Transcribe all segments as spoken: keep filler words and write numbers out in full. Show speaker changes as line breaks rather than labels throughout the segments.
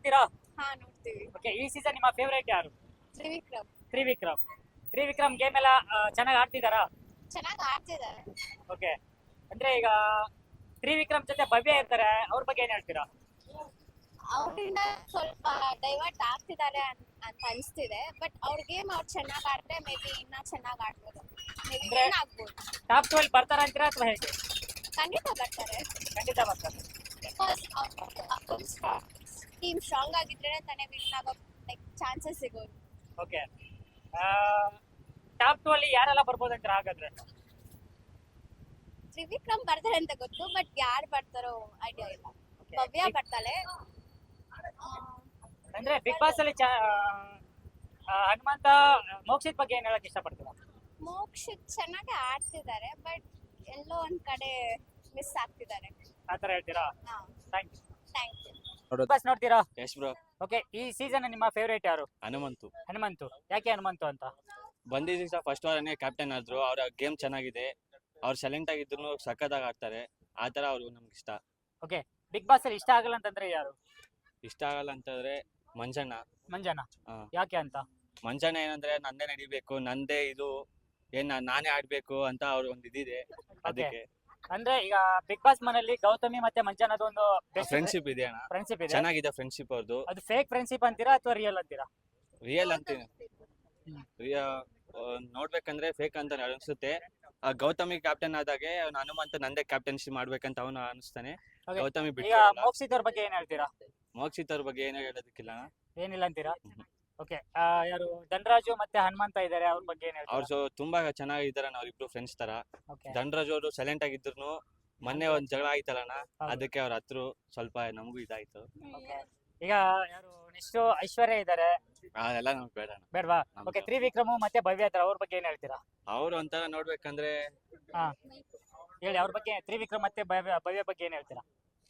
ನೋಡ್ತೀರಾ?
ಹಾ ನೋಡ್ತೀವಿ.
ಓಕೆ, ಈ ಸೀಸನ್ ನಿಮ್ಮ ಫೇವರೇಟ್ ಯಾರು?
ತ್ರಿವಿಕ್ರಮ್
ತ್ರಿವಿಕ್ರಮ್. ತ್ರಿವಿಕ್ರಮ್ ಗೇಮ್ ಎಲ್ಲ ಚೆನ್ನಾಗಿ ಆಡ್ತಿದಾರಾ?
ಚೆನ್ನಾಗಿ ಆಡ್ತಿದ್ದಾರೆ.
ಓಕೆ, ಅಂದ್ರೆ ಈಗ ತ್ರಿವಿಕ್ರಮ್ ಜೊತೆ ಭವ್ಯ ಇರ್ತಾರೆ, ಅವ್ರ ಬಗ್ಗೆ ಏನ್ ಹೇಳ್ತೀರಾ?
ಅವರಿಂದ ಸ್ವಲ್ಪ ಡೈವರ್ಟ್ ಆಗ್ತಿದ್ದಾರೆ ಅನ್- ಅಂತ ಅನಿಸ್ತಿದೆ. ಬಟ್ ಅವ್ರ ಗೇಮ್ ಅವ್ರು ಚೆನ್ನಾಗಿ ಆಡಿದ್ರೆ ಮೇ ಬಿ ಇನ್ನ ಚೆನ್ನಾಗಿ ಆಡ್ಬೋದು. ಮೇ ಬಿ
ಅಂದ್ರೆ-
ವಿನ್ ಆಗ್ಬೋದು.
ಟಾಪ್ ಟ್ವೆಲ್ ಬರ್ತಾರ ಅಂತೀರಾ ಅಥವಾ ಹೇಗೆ?
ಖಂಡಿತ ಬರ್ತಾರೆ.
ಖಂಡಿತ ಬರ್ತಾರೆ.
ಬಿಕಾಸ್ ಟೀಮ್ ಸ್ಟ್ರಾಂಗ್ ಆಗಿದ್ರೆ ತಾನೇ ವಿನ್ ಆಗೋ ಲೈಕ್ ಚಾನ್ಸಸ್ ಸಿಗೋದು.
ಓಕೆ, ಟಾಪ್ ಟು ಅಲ್ಲಿ ಯಾರೆಲ್ಲ ಬರ್ಬೋದು ಅಂತೀರಾ ಹಾಗಾದ್ರೆ?
ತ್ರಿವಿಕ್ರಮ್ ಬರ್ತಾರೆ ಅಂತ ಗೊತ್ತು, ಬಟ್ ಯಾರು ಬರ್ತಾರೋ ಐಡಿಯಾ ಇಲ್ಲ.
Okay.
ಭವ್ಯ ಬರ್ತಾಳೆ.
ಅಂದ್ರೆ ಬಿಗ್ ಬಾಸ್ ಅಲ್ಲಿ ಚ- ಆ, ಹನುಮಂತ ಮೋಕ್ಷಿತ್ ಬಗ್ಗೆ ಏನ್ ಹೇಳಕ್ ಇಷ್ಟಪಡ್ತೀರಾ?
ಮೋಕ್ಷಿತ್ ಚೆನ್ನಾಗಿ ಆಡ್ತಿದ್ದಾರೆ, ಬಟ್ ಎಲ್ಲೋ ಒಂದ್ ಕಡೆ ಮಿಸ್ ಆಗ್ತಿದ್ದಾರೆ.
ಆತರ ಹೇಳ್ತೀರಾ?
ಹಾ,
thank you.
Thank you.
Bigg Boss ನೋಡ್ತೀರಾ?
ಯಶ್ ಬ್ರೋ.
ಓಕೆ, ಈ ಸೀಸನ್ ನಿಮ್ಮ ಫೇವರೇಟ್ ಯಾರು?
ಹನುಮಂತು
ಹನುಮಂತು. ಯಾಕೆ ಹನುಮಂತು ಅಂತ?
ಬಂದಿದ್ದ ದಿವಸ ಫಸ್ಟ್ ವಾರನೇ ಕ್ಯಾಪ್ಟನ್ ಆದ್ರು. ಅವ್ರ ಗೇಮ್ ಚೆನ್ನಾಗಿದೆ, ಅವ್ರು ಸೈಲೆಂಟ್ ಆಗಿದ್ರು, ಸಖತ್ತಾಗಿ ಆಡ್ತಾರೆ. ಆ ತರ ಅವ್ರು ನಮ್ಗೆ ಇಷ್ಟ.
ಓಕೆ, ಬಿಗ್ ಬಾಸ್ ಅಲ್ಲಿ ಇಷ್ಟ ಆಗಲ್ಲ ಅಂತಂದ್ರೆ ಯಾರು?
ಇಷ್ಟ ಆಗಲ್ಲ ಅಂತಂದ್ರೆ ಮಂಜಣ್ಣ.
ಮಂಜನ.
ಹಾ.
ಯಾಕೆ ಅಂತ?
ಮಂಜಣ್ಣ ಏನಂದ್ರೆ ನಂದೇ ನಡಿಬೇಕು, ನಂದೇ ಇದು ಏನ್ ನಾನ್- ನಾನೇ ಆಡ್ಬೇಕು ಅಂತ ಅವ್ರ ಒಂದ್ ಇದಿದೆ. ಅದಕ್ಕೆ
ಅಂದ್ರೆ ಈಗ ಬಿಗ್ ಬಾಸ್ ಮನೆಯಲ್ಲಿ ಗೌತಮಿ ಮತ್ತೆ ಮಂಜನದು ಒಂದು
ಫ್ರೆಂಡ್ಶಿಪ್ ಇದೆ ಅಣ್ಣ,
ಫ್ರೆಂಡ್ಶಿಪ್ ಇದೆ.
ಚೆನ್ನಾಗಿದೆ ಫ್ರೆಂಡ್ಶಿಪ್ ಅವ್ರದ್ದು.
ಅದು ಫೇಕ್ ಫ್ರೆಂಡ್ಶಿಪ್ ಅಂತೀರಾ ಅಥವಾ ರಿಯಲ್ ಅಂತೀರಾ?
ರಿಯಲ್ ಅಂತೀನಿ.
ಹ್ಮ್.
ರಿಯ- ಆ, ನೋಡ್ಬೇಕಂದ್ರೆ ಫೇಕ್ ಅಂತ ಅನ್ಸುತ್ತೆ. ಆ ಗೌತಮಿ ಕ್ಯಾಪ್ಟನ್ ಆದಾಗೆ ಅವ್ನು ಹನುಮಂತ ನಂದೇ ಕ್ಯಾಪ್ಟನ್ಸಿ ಮಾಡ್ಬೇಕಂತ ಅವನು ಅನಿಸ್ತಾನೆ.
Okay.
ಗೌತಮಿ
ಈಗ
ಬಿಟ್ಟು
ಮೋಕ್ಷಿತ್ ಅವ್ರ ಬಗ್ಗೆ ಏನ್ ಹೇಳ್ತೀರಾ?
ಮೋಕ್ಷಿತ್ ಅವ್ರ ಬಗ್ಗೆ ಏನೋ ಹೇಳೋದಕ್ಕಿಲ್ಲ ಅಣ್ಣ.
ಏನಿಲ್ಲ ಅಂತೀರಾ?
ಹ್ಮ್.
ಓಕೆ, ಯಾರು ಧನರಾಜು ಮತ್ತೆ ಹನುಮಂತ ಇದಾರೆ, ಅವ್ರ ಬಗ್ಗೆ ಏನ್
ಅವ್ರು
ಹೇಳ್ತೀರಾ?
ಸೊ ತುಂಬಾ ಚೆನ್ನಾಗಿದ್ದಾರೆ, ಅವ್ರಿಬ್ರು ಫ್ರೆಂಡ್ಸ್ ತರ.
ಓಕೆ,
ಧನರಾಜ್ ಅವರು ಸೈಲೆಂಟ್ ಆಗಿದ್ರು. ಮೊನ್ನೆ ಒಂದ್ ಜಗಳ ಆಯ್ತಲ್ಲಣ್ಣ,
ಹೌದು.
ಅದಕ್ಕೆ ಅವ್ರ ಹತ್ರ ಸ್ವಲ್ಪ ನಮಗೂ ಇದಾಯ್ತು.
ಓಕೆ. ಈಗ ಯಾರು ನೆಕ್ಸ್ಟ್ ಐಶ್ವರ್ಯ ಇದಾರೆ,
ಅದೆಲ್ಲ ನಮ್ಗೆ ಬೇಡ ಅಣ್ಣ.
ಬೇಡವಾ?
ನಮ್ಗೆ
ಓಕೆ, ತ್ರಿವಿಕ್ರಮು ಮತ್ತೆ ಭವ್ಯ ಇದಾರೆ, ಅವ್ರ ಬಗ್ಗೆ ಏನ್ ಹೇಳ್ತೀರಾ?
ಅವ್ರು ಒಂಥರ ನೋಡ್ಬೇಕಂದ್ರೆ
ಹಾ, ಹೇಳಿ ಅವ್ರ ಬಗ್ಗೆ. ತ್ರಿವಿಕ್ರಮ್ ಮತ್ತೆ ಭವ್ಯ ಭವ್ಯ ಬಗ್ಗೆ ಏನ್ ಹೇಳ್ತೀರಾ?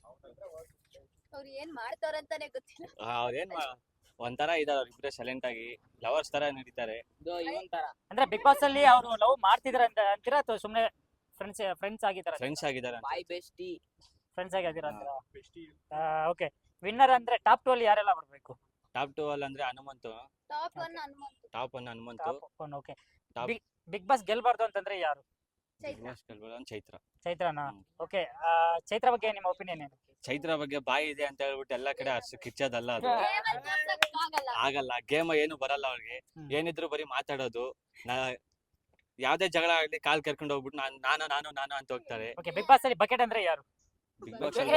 ಅವ್ರು ಏನ್ ಮಾಡ್ತಾರಂತಾನೆ ಗೊತ್ತಿಲ್ಲ.
ಆ, ಅವ್ರೇನ್ ಮಾ- ಒಂಥರ ಇದಾರೆ, ಅವ್ರಿಬ್ರೆ ಸೈಲೆಂಟ್ ಆಗಿ ಲವರ್ಸ್ ತರ ನಡೀತಾರೆ.
ಅಂದ್ರೆ ಬಿಗ್ ಬಾಸ್ ಅಲ್ಲಿ ಅವರು ಲವ್ ಮಾಡ್ತಿದಾರೆ ಅಂತ ಅಂತೀರಾ ಅಥವಾ ಸುಮ್ನೆ ಫ್ರೆಂಡ್ಸ್ ಫ್ರೆಂಡ್ಸ್ ಆಗಿದಾರ?
ಫ್ರೆಂಡ್ಸ್ ಆಗಿದ್ದಾರೆ.
ಫ್ರೆಂಡ್ಸ್ ಆಗಿದ್ದೀರಾ ಅಂತೀರಾ? ಓಕೆ, ವಿನ್ನರ್ ಅಂದ್ರೆ ಟಾಪ್ ಟು ಅಲ್ಲಿ ಯಾರೆಲ್ಲ ಬರ್ಬೇಕು?
ಟಾಪ್ ಟು ಅಲ್ಲಿ ಅಂದ್ರೆ Hanumanthu.
Top one Hanumanthu.
Top one Hanumanthu.
Okay,
Top-
Bigg Boss ಗೆಲ್ಬಾರ್ದು ಅಂತಂದ್ರೆ ಯಾರು?
ಚೈತ್ರ.
ಒಂದ್ ಚೈತ್ರ.
ಚೈತ್ರನಾ?
ಹ್ಮ್.
ಓಕೆ, ಚೈತ್ರ ಬಗ್ಗೆ ನಿಮ್ಮ ಒಪಿನಿಯನ್ ಏನು?
ಚೈತ್ರ ಬಗ್ಗೆ ಬಾಯಿ ಇದೆ ಅಂತ ಹೇಳ್ಬಿಟ್ಟು ಎಲ್ಲಾ ಕಡೆ ಹರ್ಷ ಕಿಚ್ಚೋದಲ್ಲ ಅದು.
Game ಅಲ್ಲಿ ತೋರ್ಸಕ್ ಆಗಲ್ಲ.
ಆಗಲ್ಲ, ಗೇಮ್ ಏನು ಬರಲ್ಲ ಅವ್ರಿಗೆ.
ಹ್ಮ್.
ಏನಿದ್ರು ಬರೀ ಮಾತಾಡೋದು. ನಾ ಯಾವ್ದೇ ಜಗಳ ಆಗ್ಲಿ ಕಾಲ್ ಕರ್ಕೊಂಡು ಹೋಗ್ಬಿಟ್ಟು ನಾನ್ ನಾನು ನಾನು ನಾನು ಅಂತ ಹೋಗ್ತಾರೆ.
ಓಕೆ, ಬಿಗ್ ಬಾಸ್ ಅಲ್ಲಿ ಬಕೆಟ್ ಅಂದ್ರೆ ಯಾರು?
ಬಿಗ್ ಬಾಸ್
ಏ,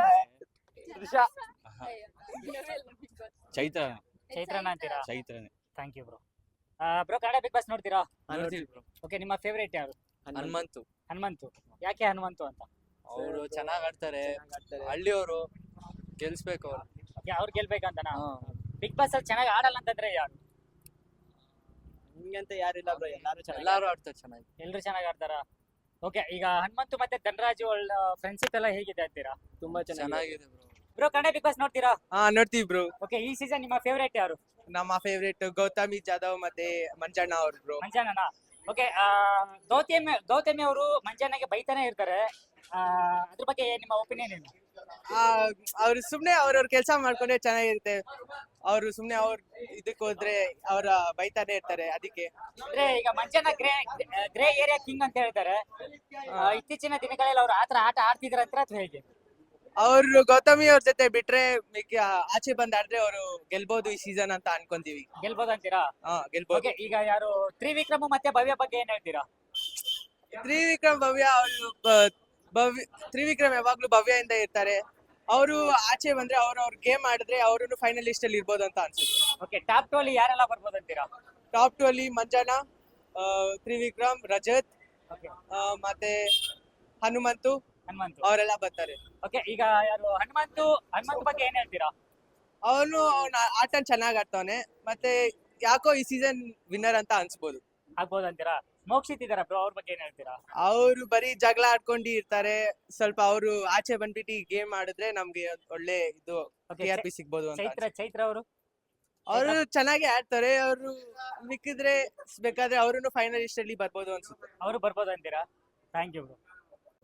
ಚೈತ್ರ.
ಚೈತ್ರನ ಅಂತೀರಾ?
ಚೈತ್ರನೇ.
Thank you bro. Bro, Kannada Bigg Boss ನೋಡ್ತೀರಾ? ಓಕೆ, ನಿಮ್ಮ ಫೇವರೇಟ್ ಯಾರು?
ಹನುಮಂತು.
ಹನುಮಂತು. ಯಾಕೆ ಹನುಮಂತು ಅಂತ?
ಅವರು ಚೆನ್ನಾಗ್ ಆಡ್ತಾರೆ, ಹಳ್ಳಿಯವರು, ಗೆಲ್ಸ್ಬೇಕು ಅವ್ರು.
ಓಕೆ, ಅವ್ರು ಗೆಲ್ಬೇಕಂತನಾ? ಬಿಗ್ ಬಾಸ್ ಅಲ್ಲಿ ಚೆನ್ನಾಗಿ ಆಡಲ್ಲ ಅಂತಂದ್ರೆ ಯಾರು?
ನಿಮ್ಗಂತ ಯಾರಿಲ್ಲ ಬ್ರೋ, ಎಲ್ಲಾರು ಎಲ್ಲಾರು ಆಡ್ತಾರೆ ಚೆನ್ನಾಗಿ.
ಎಲ್ರು ಚೆನ್ನಾಗಿ ಆಡ್ತಾರಾ? ಓಕೆ, ಈಗ ಹನುಮಂತು ಮತ್ತೆ ಧನರಾಜು ಒಳ್ಳೆ ಫ್ರೆಂಡ್ಶಿಪ್ ಎಲ್ಲ ಹೇಗಿದೆ ಅಂತೀರಾ?
ತುಂಬಾ ಚೆನ್ನಾಗಿದೆ bro.
Bro, Kannada Bigg Boss ನೋಡ್ತೀರಾ?
ಹಾ ನೋಡ್ತೀವಿ ಬ್ರೋ.
ಓಕೆ, ಈ ಸೀಸನ್ ನಿಮ್ಮ ಫೇವರೇಟ್ ಯಾರು?
ನಮ್ಮ ಫೇವ್ರೇಟ್ ಗೌತಮಿ ಜಾಧವ್ ಮತ್ತೆ ಮಂಜಣ್ಣ ಅವ್ರು ಬ್ರೋ.
ಮಂಜಾನನ. ಓಕೆ, ಗೌತಮಿ ಗೌತಮಿ ಅವರು ಮಂಜಾನಗೆ ಬೈತಾನೆ ಇರ್ತಾರೆ, ಆ, ಅದ್ರ ಬಗ್ಗೆ ನಿಮ್ಮ ಒಪಿನಿಯನ್ ಏನು?
ಅವ್ರು ಸುಮ್ನೆ ಅವ್ರವ್ರ ಕೆಲಸ ಮಾಡ್ಕೊಂಡ್ರೆ ಚೆನ್ನಾಗಿರುತ್ತೆ. ಅವ್ರು ಸುಮ್ನೆ ಅವ್ರ ಇದಕ್ ಹೋದ್ರೆ ಅವ್ರ ಬೈತಾನೆ ಇರ್ತಾರೆ, ಅದಕ್ಕೆ.
ಅಂದ್ರೆ ಈಗ Manjanna grey grey area king ಅಂತ ಹೇಳ್ತಾರೆ. ಆ, ಇತ್ತೀಚಿನ ದಿನಗಳಲ್ಲಿ ಅವ್ರು ಆತರ ಆಟ ಆಡ್ತಿದ್ರ ಅಂತ ಅಥವಾ ಹೇಗೆ?
ಅವ್ರು ಗೌತಮಿ ಅವ್ರ ಜೊತೆ ಬಿಟ್ರೆ ಮಿಕ್ಕ ಆಚೆ ಬಂದ್ ಆಡಿದ್ರೆ ಅವರು ಗೆಲ್ಬಹುದು ಈ ಸೀಸನ್ ಅಂತ ಅನ್ಕೊಂತೀವಿ.
ಗೆಲ್ಬೋದು ಅಂತೀರಾ?
ಹಾ ಗೆಲ್ಬಹುದು.
ಓಕೆ, ಈಗ ಯಾರು ತ್ರಿವಿಕ್ರಮ್ ಮತ್ತೆ ಭವ್ಯ ಬಗ್ಗೆ ಏನ್ ಹೇಳ್ತೀರಾ?
ತ್ರಿವಿಕ್ರಮ್ ಭವ್ಯ ಅವರು ಭವ್ಯ ತ್ರಿವಿಕ್ರಮ್ ಯಾವಾಗ್ಲೂ ಭವ್ಯದಿಂದ ಇರ್ತಾರೆ. ಅವರು ಆಚೆ ಬಂದ್ರೆ ಅವ್ರ ಅವ್ರ ಗೇಮ್ ಆಡಿದ್ರೆ ಅವ್ರು ಫೈನಲಿಸ್ಟ್ ಅಲ್ಲಿ ಇರ್ಬೋದು ಅಂತ ಅನ್ಸುತ್ತೆ.
ಓಕೆ, ಟಾಪ್ ಟು ಅಲ್ಲಿ ಯಾರೆಲ್ಲ ಬರ್ಬೋದು ಅಂತೀರಾ?
ಟಾಪ್ ಟು ಅಲ್ಲಿ ಮಂಜಣ್ಣ, ಆ, ತ್ರಿವಿಕ್ರಮ್, ರಜತ್,
ಓಕೆ,
ಆ, ಮತ್ತೆ ಹನುಮಂತು
ಹನುಮಂತು.
ಅವರೆಲ್ಲ ಬರ್ತಾರೆ.
ಓಕೆ, ಈಗ ಯಾರು ಹನುಮಂತು ಹನುಮಂತು ಬಗ್ಗೆ ಏನ್ ಹೇಳ್ತೀರಾ?
ಅವನು ಅವನ ಆಟ ಚೆನ್ನಾಗ್ ಆಡ್ತಾವನೆ, ಮತ್ತೆ ಯಾಕೋ ಈ ಸೀಸನ್ ವಿನ್ನರ್ ಅಂತ ಅನ್ಸ್ಬೋದು.
ಆಗ್ಬೋದು ಅಂತೀರಾ? ಮೋಕ್ಷಿತ್ ಇದಾರ ಬ್ರೋ, ಅವ್ರ ಬಗ್ಗೆ ಏನ್ ಹೇಳ್ತೀರಾ?
ಅವರು ಬರೀ ಜಗಳ ಆಡ್ಕೊಂಡು ಇರ್ತಾರೆ. ಸ್ವಲ್ಪ ಅವರು ಆಚೆ ಬಂದ್ಬಿಟ್ಟು ಗೇಮ್ ಆಡಿದ್ರೆ ನಮ್ಗೆ ಒಳ್ಳೆ ಇದು
Okay,
ಟಿ ಆರ್ ಪಿ ಸಿಗ್ಬೋದು ಅಂತ
ಚೈತ್ರ ಚೈತ್ರ ಅವರು
ಅವರು ಚೆನ್ನಾಗಿ ಆಡ್ತಾರೆ. ಅವರು ಮಿಕ್ಕಿದ್ರೆ ಬೇಕಾದ್ರೆ ಅವ್ರು ಫೈನಲಿಸ್ಟ್ ಅಲ್ಲಿ ಬರ್ಬೋದು ಅನ್ಸುತ್ತೆ.
ಅವರು ಬರ್ಬೋದು ಅಂತೀರಾ? Thank you bro.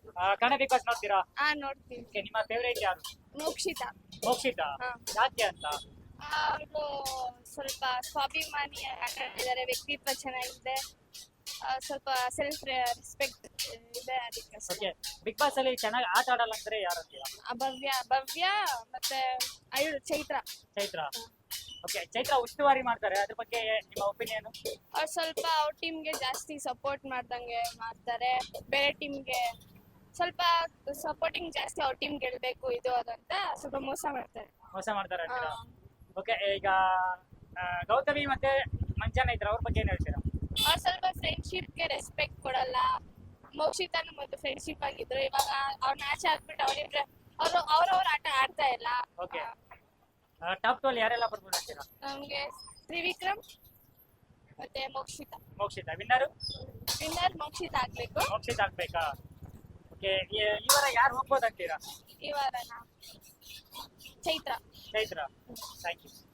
Kannada Bigg Boss ನೋಡ್ತೀರಾ?
ಹಾ ನೋಡ್ತೀವಿ.
Okay, ನಿಮ್ಮ ಫೇವರೇಟ್ ಯಾರು?
ಮೋಕ್ಷಿತಾ.
ಮೋಕ್ಷಿತಾ?
ಹಾ.
ಯಾಕೆ ಅಂತ?
ಅವರು ಸ್ವಲ್ಪ ಸ್ವಾಭಿಮಾನಿ ಆಟ ಆಡಿದ್ದಾರೆ, ವ್ಯಕ್ತಿತ್ವ ಚೆನ್ನಾಗಿದೆ, ಆ, ಸ್ವಲ್ಪ ಸೆಲ್ಫ್ ರೆಸ್ಪೆಕ್ಟ್ ಇದೆ ಅದಕ್ಕೆ ಅಷ್ಟೇ.
ಓಕೆ, ಬಿಗ್ ಬಾಸ್ ಅಲ್ಲಿ ಚೆನ್ನಾಗಿ ಆಟ ಆಡಲ್ಲ ಅಂದ್ರೆ ಯಾರು ಅಂತೀರಾ?
ಆ, ಭವ್ಯ ಭವ್ಯ ಮತ್ತೆ ಐದು ಚೈತ್ರ.
ಚೈತ್ರ. ಓಕೆ, ಚೈತ್ರ ಉಸ್ತುವಾರಿ ಮಾಡ್ತಾರೆ, ಅದ್ರ ಬಗ್ಗೆ ನಿಮ್ಮ ಒಪಿನಿಯನ್?
ಅವ್ರು ಸ್ವಲ್ಪ ಅವ್ರ ಟೀಮ್ಗೆ ಜಾಸ್ತಿ ಸಪೋರ್ಟ್ ಮಾಡ್ದಂಗೆ ಮಾಡ್ತಾರೆ, ಬೇರೆ ಟೀಮ್ಗೆ ಸ್ವಲ್ಪ ಸಪೋರ್ಟಿಂಗ್ ಜಾಸ್ತಿ ಅವ್ರ ಟೀಮ್ ಗೆಲ್ಬೇಕು ಇದು ಅದು ಅಂತ ಸ್ವಲ್ಪ ಮೋಸ ಮಾಡ್ತಾರೆ.
ಮೋಸ ಮಾಡ್ತಾರೆ
ಆ,
ಅಂತೀರಾ? ಓಕೆ, ಈಗ ಆ, ಗೌತಮಿ ಮತ್ತೆ ಮಂಜಾನ ಇದ್ರ ಅವ್ರ ಬಗ್ಗೆ ಏನ್ ಹೇಳ್ತೀರಾ?
ಅವ್ರು ಸ್ವಲ್ಪ ಫ್ರೆಂಡ್ಶಿಪ್ಗೆ ರೆಸ್ಪೆಕ್ಟ್ ಕೊಡಲ್ಲ. ಮೋಕ್ಷಿತಾನು ಮೊದಲು ಫ್ರೆಂಡ್ಶಿಪ್ ಆಗಿದ್ರು, ಇವಾಗ ಅವ್ರನ್ನ ಆಚೆ ಹಾಕ್ಬಿಟ್ಟು ಅವ್ರಿಬ್ರೆ ಅವರು ಅವ್ರವ್ರ ಆಟ ಆಡ್ತಾ ಇಲ್ಲ.
Okay. ಟಾಪ್ ಟು ಅಲ್ಲಿ ಯಾರೆಲ್ಲ ಬರ್ಬೋದು ಅಂತೀರಾ?
ನಮ್ಗೆ ತ್ರಿವಿಕ್ರಮ್ ಮತ್ತೆ ಮೋಕ್ಷಿತಾ.
ಮೋಕ್ಷಿತ ವಿನ್ನರು?
ವಿನ್ನರ್ ಮೋಕ್ಷಿತಾ ಆಗ್ಬೇಕು.
ಮೋಕ್ಷಿತ ಆಗ್ಬೇಕಾ? ಓಕೆ, ಈ ವಾರ ಯಾರು ಹೋಗ್ಬೋದು ಅಂತೀರಾ?
ಈ ವಾರನ ಚೈತ್ರ.
ಚೈತ್ರ. Thank you.